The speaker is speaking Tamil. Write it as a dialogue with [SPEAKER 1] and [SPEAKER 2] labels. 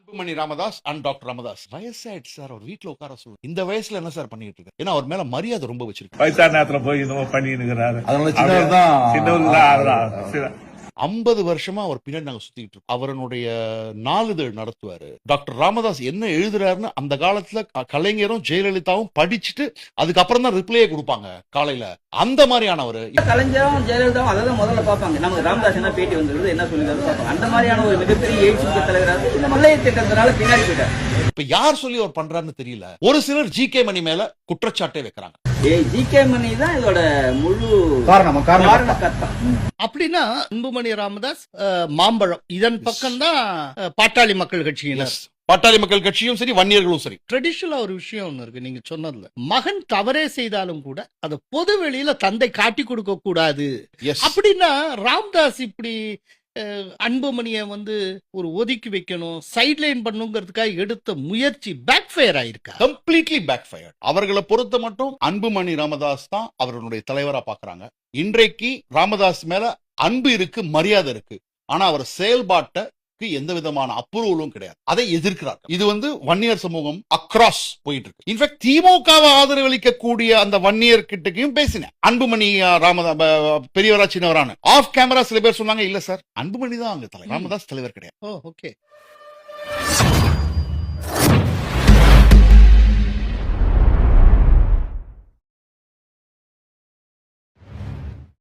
[SPEAKER 1] அன்புமணி ராமதாஸ் அண்ட் டாக்டர் ராமதாஸ் வயசாயிடுச்சு சார், அவர் வீட்டுல உட்கார சொல்லு. இந்த வயசுல என்ன சார் பண்ணிட்டு இருக்காரு? ஏன்னா அவர் மேல மரியாதை ரொம்ப வச்சிருக்கு.
[SPEAKER 2] வயசான நேரத்துல போய் இன்னும் பண்ணிருக்கிறாரு.
[SPEAKER 3] அதனால சின்னவர்
[SPEAKER 1] 50 வருஷமா அவர் பின்னாடி நாங்க சுத்திட்டு இருக்கோம். அவருடைய நாளிதழ் நடத்துவாரு. டாக்டர் ராமதாஸ் என்ன எழுதுறாருன்னு அந்த காலத்துல கலைஞரும் ஜெயலலிதாவும் படிச்சுட்டு அதுக்கப்புறம் தான் ரிப்ளையே கொடுப்பாங்க காலையில. அந்த மாதிரியானவர்.
[SPEAKER 4] கலைஞரும் ஜெயலலிதாவும் அதான் முதல்ல பார்ப்பாங்க. நமக்கு ராமதாஸ் என்ன பேட்டி வந்திருக்குது, என்ன சொல்லிருக்காரு பார்ப்பாங்க. அந்த மாதிரியான ஒரு மிகப்பெரிய எழுச்சி தலைவராக இந்த மல்லைய திட்டத்தினால பின்னாடி போயிட்டார்.
[SPEAKER 1] இப்ப யார் சொல்லி அவர் பண்றாருன்னு தெரியல. ஒரு சிலர் ஜி.கே. மணி மேல குற்றச்சாட்டை வைக்கிறாங்க.
[SPEAKER 4] ஜி.கே. மணி தான் இதோட முழு காரணம்.
[SPEAKER 5] அப்படின்னா அன்புமணி ராமதாஸ் மாம்பழம் இதன் பக்கம் தான் பாட்டாளி மக்கள் கட்சியினர்.
[SPEAKER 1] பாட்டாளி மக்கள் கட்சியும் சரி, வன்னியர்களும் சரி.
[SPEAKER 5] ட்ரெடிஷனலா ஒரு விஷயம் ஒண்ணு இருக்கு நீங்க சொன்னதுல. மகன் தவறே செய்தாலும் கூட அதை பொது வெளியில தந்தை காட்டி கொடுக்க கூடாது. அப்படின்னா ராமதாஸ் இப்படி அன்புமணியை ஒரு ஒதுக்கி வைக்கணும், சைட்லைன் பண்ணுங்கிறதுக்காக எடுத்த முயற்சி பேக் ஃபயர் ஆயிருக்கா?
[SPEAKER 1] Completely backfire. அவர்களை பொறுத்த மட்டும் அன்புமணி ராமதாஸ் தான் அவர்களுடைய தலைவரா பாக்குறாங்க. இன்றைக்கு ராமதாஸ் மேல அன்பு இருக்கு, மரியாதை இருக்கு. ஆனா அவர் செயல்பாட்டுக்கு எந்த விதமான அப்ரூவலும் கிடையாது. அதை எதிர்க்கிறார். இது வன்னியர் சமூகம் அக்ராஸ் போயிட்டு இருக்கு. இன்ஃபேக்ட் திமுகவை ஆதரவளிக்கக்கூடிய அந்த வன்னியர் கிட்டக்கையும் பேசினேன். அன்புமணி ராமதாஸ் பெரியவரா சின்னவரான ஆஃப் கேமரா சில பேர் சொன்னாங்க, இல்ல சார் அன்புமணி தான் அங்க தலைவர், ராமதாஸ் தலைவர் கிடையாது.
[SPEAKER 5] ஓகே.